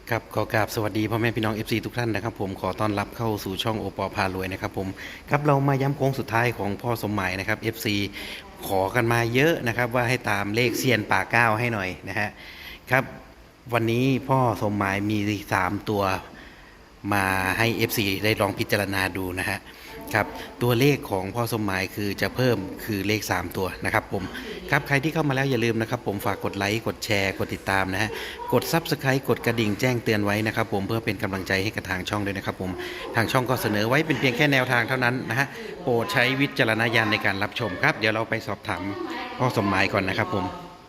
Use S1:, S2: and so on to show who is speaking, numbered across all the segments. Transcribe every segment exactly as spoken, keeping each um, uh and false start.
S1: ครับขอกราบสวัสดีพ่อแม่พี่น้อง เอฟ ซี ทุกท่านนะครับผมขอต้อนรับเข้าสู่ช่องโอปอพารวยนะครับผมครับเรามาย้ำโค้งสุดท้ายของพ่อสมหมายนะครับ เอฟ ซี ขอกันมาเยอะนะครับว่าให้ตามเลขเซียนป่าเก้าให้หน่อยนะฮะครับวันนี้พ่อสมหมายมีสามตัวมาให้ เอฟ ซี ได้ลองพิจารณาดูนะฮะครับตัวเลขของพ่อสมหมายคือจะเพิ่มคือเลขสามตัวนะครับผมครับใครที่เข้ามาแล้วอย่าลืมนะครับผมฝากกดไลค์กดแชร์กดติดตามนะฮะกด ซับสไครบ์ กดกระดิ่งแจ้งเตือนไว้นะครับผมเพื่อเป็นกำลังใจให้กับทางช่องด้วยนะครับผมทางช่องก็เสนอไว้เป็นเพียงแค่แนวทางเท่านั้นนะฮะโปรดใช้วิจารณญาณในการรับชมครับเดี๋ยวเราไปสอบถามพ่อสมหมายก่อนนะครับผม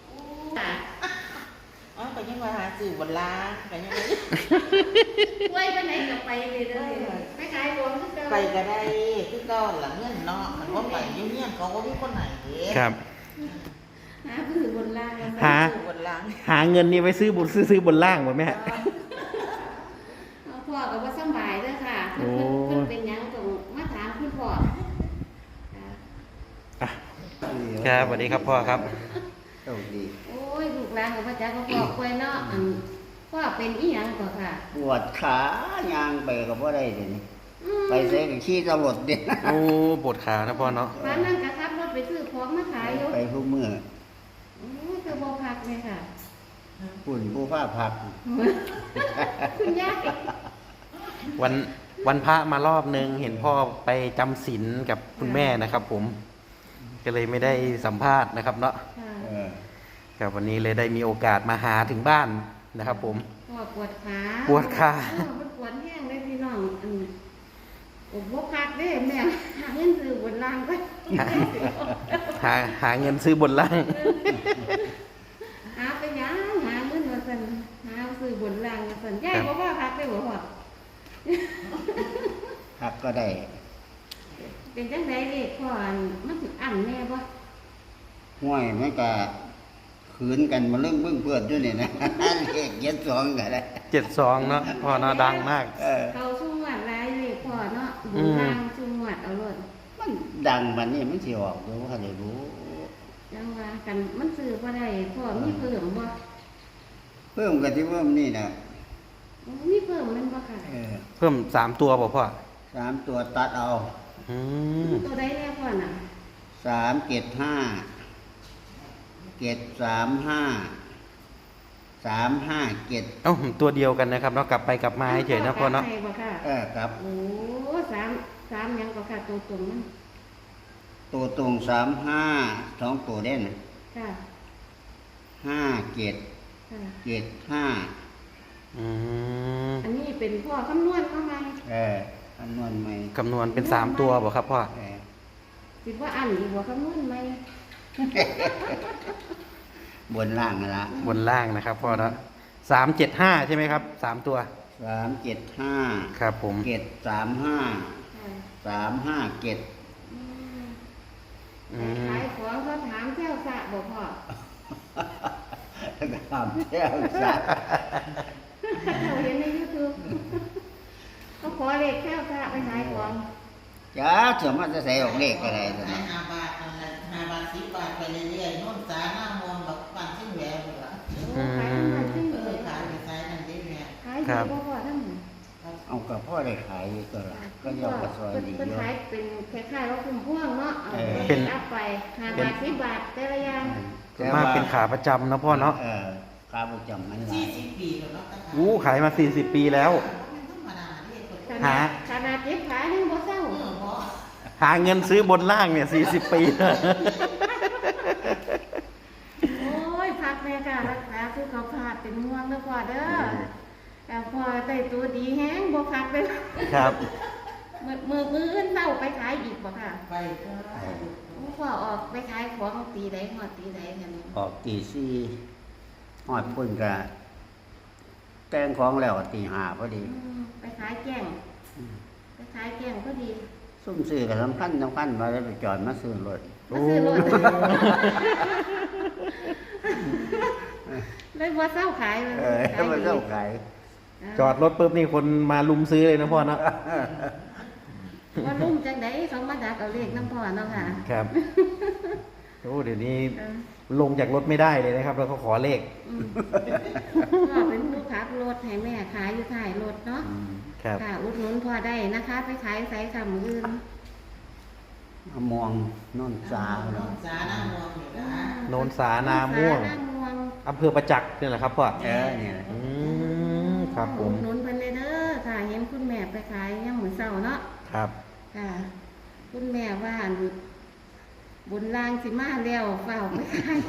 S2: อ๋อไปยังมาหาสื่อบนล้างไปยังไง
S3: ไว้ไปไหนก็ไปเลยเด้อไปขายของคือเก่า
S2: ไปก็ได้คือเก่าหลังเงื่อนเนาะมันว่าไปเยี่ยมๆเขาก็มีคนไหนเด้
S1: ครับ
S3: หาผู้ถือบนล่างกัน
S1: หา
S2: สื่อบนล้าง
S1: หาเงินนี่ไว้ซื้อบุญซื้อซื้อบนล่างหมดไหมฮะ
S3: เอาพ่อก็ว่าสำบายเด้อค่ะ
S1: โอ้
S3: เพิ่นเพิ่นเป็นหยังต้องมาถามคุณพ่อค่ะ
S1: อ่ะครับสวัสดีครับพ่อครับ
S4: โชคดี
S3: โอ้ยลูกหลานก็มาจากก็พ่อป่วยเนาะอันพ่อเป็นอีหยังก็ค่ะ
S4: ปวดขายางไปก็บ่ได้เดี๋ยวนี้
S3: อืม
S4: ไปเซ็กับขี้ตำรวจเด่น
S1: โอ้ปวดขานะพ่อเนาะ
S3: ร้านนั้นก็ขับรถไปซื้อของมาขายอยู่
S4: ไปทุกมือ
S3: โอ้ยคือบ่พักเลยค่ะ
S4: ปุ่นผู้ผ้าพัก
S3: คุณยาย
S1: วันวันพระมารอบนึงเห็นพ่อไปจำศีลกับคุณแม่นะครับ ผม ก็เลยไม่ได้สัมภาษณ์นะครับเนาะ
S3: ค่ะ
S4: เออ
S1: ครับวันนี้เลยได้มีโอกาสมาหาถึงบ้านนะครับ ผม
S3: พ่อปวดขา
S1: ปวดขา
S3: เออมันปวดแห้งเลยพี่น้องอันโอ้บ่พักเด้แม่หาเงินซื้อบนล่างก็
S1: หาหาเงินซื้อบนล่าง
S3: หาไปหยังหาเงินมาสั่นหาซื้อบนล่างมาสั่นยายบอกว่าพักได้บ่พ่อ
S4: พักก็ได้
S3: เป็นจังไดเด็กพ่ออันมันสิอั้นแน่บ่
S4: ห้วยมันก็ขืนกันมาเรื่องเบื้องเพื่อนด้วยเนี่ยนะ เลขเย็ดสองก็ได้
S1: เจ็ดสองเนาะพ่อเนาะดังมาก
S4: เออ
S3: เขาชุ่มหวัดหลายเด็กพ่อเนาะบ
S1: อื
S3: น
S1: ม
S3: ล่างชุ่มหวัดเอาโลด
S4: มันดังมันนี่มันสิออกรู้ว่าได้รู้
S3: จังว่ากันมันซื้อบ่ได้พ่อมีเพิ่มบ่
S4: เพิ่มกันที่เพิ่มนี่นะ
S3: มีเพิ่มแมันบ่ค่ะ
S4: เออ
S1: เพิ่มสามตัวบอกพ่อ
S4: สามตัวตัดเอา
S1: อืม
S3: ตัวใดแน่พ่อน่ะ
S4: สามเกตห้าเกตสามห้าสามห้าเกต
S1: เอ้าตัวเดียวกันนะครับเนาะกลับไปกลับมาเฉยๆนะพ่อเนาะ
S3: ใช่บ่ค่ะ
S4: เออครับ
S3: โอ้สามสามหยังก็ค่ะตัวตรงมัน
S4: ตัวตรงสามห้าสองตัวเด่น
S3: ค่ะ
S4: ห้าเกต
S3: ค่ะ
S4: เกตห้า
S1: อืม
S3: อันนี้เป็นพ่อคำนวณเข้ามา
S4: เออคำนวณไหม
S1: คำนวณเป็นสามตัวบอกครับพ่อ
S4: เออ
S3: สิว่าอันอีกบ่คำนวณไหม
S4: บนล่างนั่นละ
S1: บนล่างนะครับพ่อเนาะสามเจ็ดห้าใช่ไหมครับสามตัว
S4: สามเจ็ดห้า
S1: ครับผม
S4: เกตสามห้า
S3: ค่ะ
S4: สามห้าเกต
S3: อืม
S1: อืม
S3: ขายของเขาถามเที่ยวสระบ่พ่อ
S4: ตามเที่ยวสัตว์
S3: เราเห็นใน YouTube เขาขอเลขเที่ยวสระไปขายของ
S4: จ้าเถื่อมันจะใส่ออกเลขอะไรตัว
S2: ขาย
S4: นี้
S2: ห้าบาทนั่นแหละห้าบาทสิบบาทไปเรื่อยๆโน่นสาหน้ามวลแบบปันชิ้นแหวนเลยล่ะ
S3: โอ้ขายน้ำมันขึ้น
S2: เอ
S3: เล
S2: อย ขายไปขายนั่นได้แม่
S3: ขายดีบ่พ่อทั้งหมด
S4: เอากับพ่อได้ขายอยู่ตัวละก็ยอมกระซอยดี
S3: เป็น
S4: เยอะ
S3: ขายเป็นคล้ายๆว่าคุ้มพ่วงเนาะเอา
S4: เออ
S3: เป็นอัพไปห้าบาทสิบบาทแต่ละอย่าง
S1: ส่วนมากเป็นขาประจำนะพ่อเนาะ
S4: เออขาประจำมันหลา
S2: สี่
S4: ย
S2: สิบปีแล้วเนาะ
S1: อู้ขายมาสี่สิบปีแล้ว
S2: มันธรรมดาเนี่ยคน
S3: ข
S1: หา
S3: นาดขนาดเย็บขายยังบ่เศร้า
S2: เออพอ
S1: หาเงินซื้อบนล่างเนี่ยสี่สิบปี
S3: โอ้ยพักแม่ค่ะรักษาสุขภาพเป็นห่วงเด้อพ่อเด้อแต่พ่อได้ตัวดีแฮงบ่พักเลย
S1: ครับ
S3: มือมือมืออื่นเศร้าไปขายอีกบ่ค่ะ
S2: ไปก็
S3: โอ้พ่อออกไปขายของตีใดฮอดตีใดกัน
S4: ออกตีสี่หอดพุ่นกะแต่งของแล้วตีห้าพอดี
S3: อืมไปขายแกงไปขายแกงก็ดี
S4: ซุ่มซื้อกับสำคัญสำคัญมาแล้วไปจอดมาซื้อรถ
S3: มาซื้อรถเลยบ่เศร้าขายเลย
S4: เออถ้ามันเจ้าขาย
S1: จอดรถปุ๊บนี่คนมาลุมซื้อเลยนะพ่อเนาะ
S3: ว่าลุ่มจังไดเขามาดักเอาเลขน้ำพ่อเนาะค่ะ
S1: ครับโอ้เดี๋ยวนี้
S3: เออ
S1: ลงจากรถไม่ได้เลยนะครับ แล้วก็ขอเลข
S3: อืมพ่อเป็นผู้ขับรถให้แม่ขายอยู่ถ่ายรถเนาะ
S4: อืม
S1: ครับ
S3: ค่ะอุดหนุนพอได้นะคะ ไปขายไสคำอื่น
S4: มะม่วงนนสา
S2: น้
S4: เนาะ
S2: องสาหน้ามองอยู่นะ
S1: โนนสานาม่วง
S3: สานาม่วง
S1: อำเภอประจักษ์นี่แหละครับพ่อ
S4: เออเนี่ยแหละ
S1: อืมครับผม
S3: อุดหนุนเพิ่นเลยเด้อค่ะเห็นคุณแม่ไปขายย่างหมูเสาเนาะ
S1: ครับ
S3: ค่ะ คุณแม่ว่าอั่นบุญลางสิมาแล้วเฝ้าไปขาย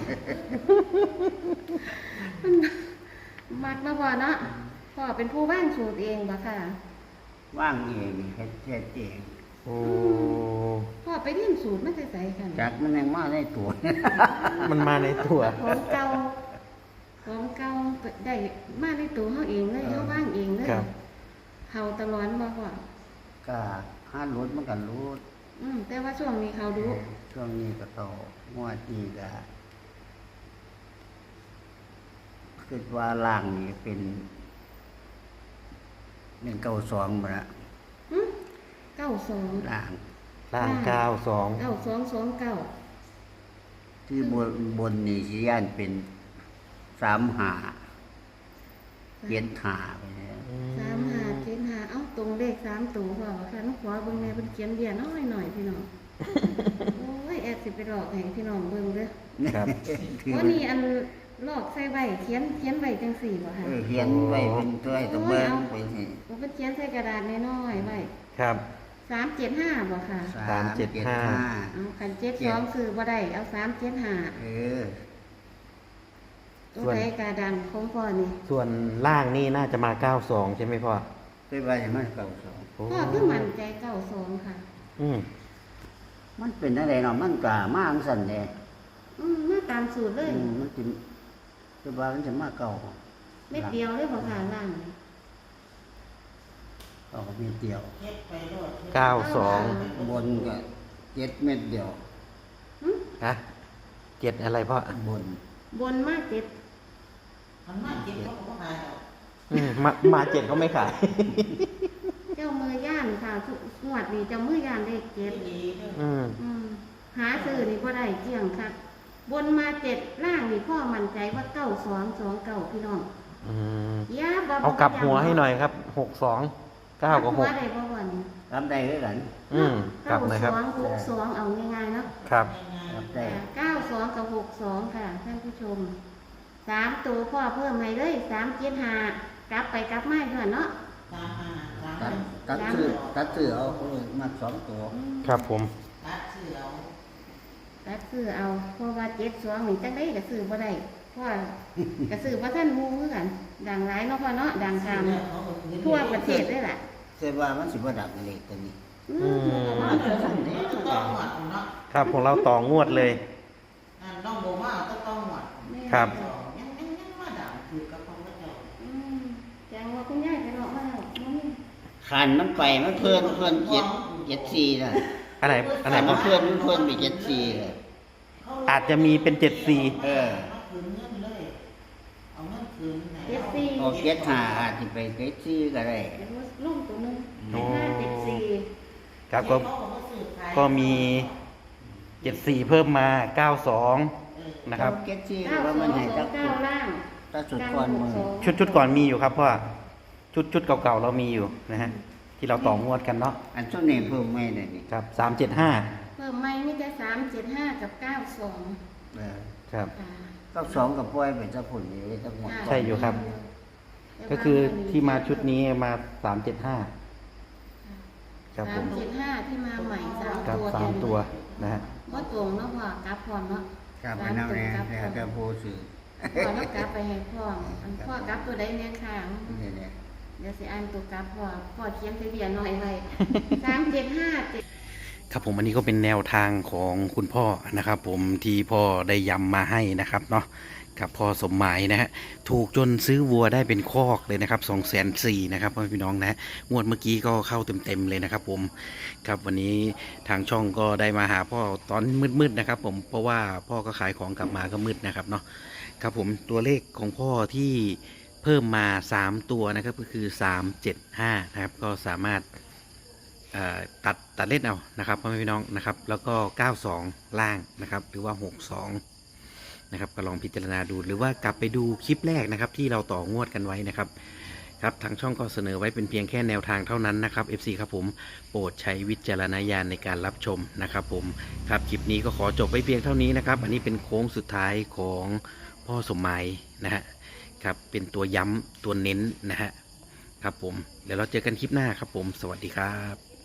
S3: มันมักมาบ่เนาะพ่อเป็นผู้บ้านสูตรเองบ่ค่ะ
S4: ว่างเองเฮ็ดเฮ็ดเอง
S1: โอ้
S3: พ่อไปเรียนสูตรมาแต่ไสกัน
S4: จากมันยังมาได้ตัว
S1: มันมาในตัว
S3: ของเก่าของเก่าได้มาในตัวเฮาเองเลยเฮาว่างเองเลย
S1: ครับ
S3: เฮาตลอดบ่พ่อ
S4: ก็ห้ารถมันกันรู้
S3: อืมแต่ว่าช่วงนี้เขาดู
S4: ช่วงนี้ก็โตงวดนี้ก็คิดว่าล่างนี่เป็นเป็นเก้าสองมาละ
S3: หึเก้าสอง
S4: ล่าง
S1: ล่างเก้าสอง
S3: เก้าสองสองเก้า
S4: ที่บนบนนี่สิย่านเป็นสามหาเย็นหาไปเนี่ย
S3: สามห้าเจ็ดห้าเอ้าตรงเลขสามตัวพ่อค่ะน้องขอเบิ่งแม่เพิ่นเขียนเดียน้อยหน่อยพี่น้อง โอ้ยแอบสิไปหลอกให้พี่น้องเบิ่งเด้อ
S1: ครับ
S4: คือ
S3: ว่านี่อันลอกใส่ไว้เขียนเขียนไว้จังสี่บ่ค่ะ
S4: เออเขียนไว้เป็นตัวไอ้ตัวเบิ้งไปสิ
S3: มันเป็นเขียนใส่กระดาษน้อยๆไว้
S1: ครับ
S3: สามเจ็ดห้าบ่ค่ะ
S1: สามเจ็ดห้า
S3: เอาคันเจ็ดสองคือบ่ได้เอาสามเจ็ดห้า
S4: เออ
S3: ตัวใดกระดังของพ่อนี่
S1: ส่วนล่างนี่น่าจะมาเก้าสองใช่ไหมพ่อ
S4: คือว่าอย่างมันเก่าสอง
S1: โอ้
S3: พ่อคือมั่นใจเก้าสองค่ะ
S1: อืม
S4: มันเป็นอะไรเนาะมันกล้ามากสั่นเลย
S3: อืมมาตามสูตรเลย
S4: อืมมันจะคือว่ามันจะมาเก่า
S3: เม็ดเดียวเลยบ่ค่ะล่างนี่
S4: เก่าเม็ดเดียว
S2: เฮ็ดไปโลด
S1: เก้าสอง
S4: บนก็เจ็ดเม็ดเดียว
S3: หึ
S1: ฮะเจ็ดอะไรพ่อบ
S4: น
S3: บนมาเจ็ด
S2: มันมาเจ็บเขาก็หายแล้ว
S1: อืมมามาเจ็ดเขาไม่ขาย
S3: เจ้ามือย่านค่ะทุกงวดนี่เจ้ามือย่านเลขเจ็ด
S2: ดีเด้อ
S1: อืม
S3: อืมหาซื้อนี่บ่ได้เกี่ยงค่ะ บนมาเจ็ดล่างนี่พ่อมั่นใจว่าเก้าสองสองเก้าพี่น้อง
S1: อืม
S3: ยาบ่
S1: เอากลับหัวให้หน่อยครับหกสองเก้ากับหก
S3: หัวได้บ่วัน
S4: รับได้ด้วยกัน
S1: อืมกลับเลยครับ
S3: เก้าสองหกสองเอาง่ายๆเนาะ
S1: ครับ
S4: รับได้
S3: เก้าสองกับหกสองค่ะท่านผู้ชมสามตัวพ่อเพิ่มให้เลยสามเจ็ดห้ากลับไปกลับมาเท่านั้นเนาะ
S2: สามห้าสาม
S4: ตัด
S2: ห้า
S4: ตัดซื้อตัดซื้อเอาเออมาสองตัว
S3: อืม
S1: ครับผม
S2: ตัดเสือเอา
S3: ตัดซื้อเอาเพราะว่าเจ็ดสองนี่จังได้ก็ซื้อบ่ได้เพราะว่าก็ซื้อบ่ทันหมู่คือกัน ดังหลายเนาะพ่อเนาะดังตามทั่วประเทศได้ล่ะ
S4: เสียว่ามันสิบ่ดับเลขตัวนี้
S3: อืม
S2: มันจะสั่นเด้อต้องหมดเนาะ
S1: ครับของเราต่องวดเลย
S2: อันน้องโบมาต้องต้องหมด
S1: ครับ
S2: ยังยังยังมาด่าคือกับของพระเจ้า
S3: อืมแจ้งว่าคุณยายไปเลาะมาแล้วบ่มี
S4: ขันมันไปมันเพื่อนเพื่อนเจ็ดเจ็ดสี่น่ะ
S1: อะไรอะไร
S4: ขันมั
S1: พ่อน
S4: เพื่อนมันเพื่อนไปเจ็ดสี่เลย
S1: อาจจะมีเป็นเจ็ดสี่
S4: เออ
S2: เอาคืนเงินเลยเอาเงินคืนไหน
S3: เจ็ดสี่
S4: ออกเจ็ดหาอาจจะไปเจ็ดสี่ก็ได้
S3: เดี๋ยวลุ่มตัวหนึงห้าเจ็ดสี่
S1: ครับก็ก็มีเจ็ดสี่เพิ่มมาเก้าสองนะครับ
S4: เจ็ดสี่
S3: เก้า
S4: ว่า
S3: สอ
S4: มัน
S3: ง
S4: ให้
S3: สอ
S4: จั
S3: ง
S4: ก
S3: เก้าล่าง
S4: ตัดสุดก่อนมือ
S1: ชุดชุดก่อนมีอยู่ครับพ่อชุดชุดเก่าๆเรามีอยู่นะฮะที่เราต่องวดกันเนาะ
S4: อันช่วงนี้เพิ่มไม่ได้นี่
S1: ครับสามเจ็ดห้า
S3: เพิ่มไม่มีแต่สามเจ็ดห้ากับเก้าสอง
S4: เออ
S1: ครับ
S3: ค่ะ
S4: ก็สองกับปล่อยไปจะผลอยู่ทั้งหมด
S1: ใช่อยู่ครับ ก็คือที่มาชุดนี้มาสามเจ็ดห้าครับผ
S3: สาม
S1: ม
S3: เจ็ดห้าที่มาใหม่สาม
S1: ครับ
S3: ตัว
S1: สามตัวนะฮะ
S3: ว่าตรงเนาะพ่อกลับพร้อมเนาะ
S4: ครับอันนั้นเนี่ยแล้วก็ผู้สื่อ
S3: พ่อแล้วกลับไปให้พ่ออันพ่อกลับตัวใดเนี่ยค่ะ
S4: นี่แหละ
S3: เดี๋ยวสิอ่านตัวกลับพ่อพ่อเขียนทะเบียนหน่อยไว้สามเจ็ดห้าเจ็ด
S1: ครับผมอันนี้ก็เป็นแนวทางของคุณพ่อนะครับผมที่พ่อได้ย้ำมาให้นะครับเนาะกับพ่อสมหมายนะฮะถูกจนซื้อวัวได้เป็นคอกเลยนะครับสองแสนสี่นะครับพ่อพี่น้องนะฮะงวดเมื่อกี้ก็เข้าเต็มๆเลยนะครับผมครับวันนี้ทางช่องก็ได้มาหาพ่อตอนมืดๆนะครับผมเพราะว่าพ่อก็ขายของกลับมาก็มืดนะครับเนาะครับผมตัวเลขของพ่อที่เพิ่มมาสามตัวนะครับก็คือสามเจ็ดห้านะครับก็สามารถเอ่อตัดตัดเล่นเอานะครับพ่อแม่พี่น้องนะครับแล้วก็เก้าสองล่างนะครับหรือว่าหกสองนะครับก็ลองพิจารณาดูหรือว่ากลับไปดูคลิปแรกนะครับที่เราต่องวดกันไว้นะครับครับทางช่องก็เสนอไว้เป็นเพียงแค่แนวทางเท่านั้นนะครับ เอฟ ซี ครับผมโปรดใช้วิจารณญาณในการรับชมนะครับผมครับคลิปนี้ก็ขอจบไว้เพียงเท่านี้นะครับอันนี้เป็นโค้งสุดท้ายของพ่อสมหมายนะฮะครับเป็นตัวย้ำตัวเน้นนะฮะครับผมเดี๋ยวเราเจอกันคลิปหน้าครับผมสวัสดีครับ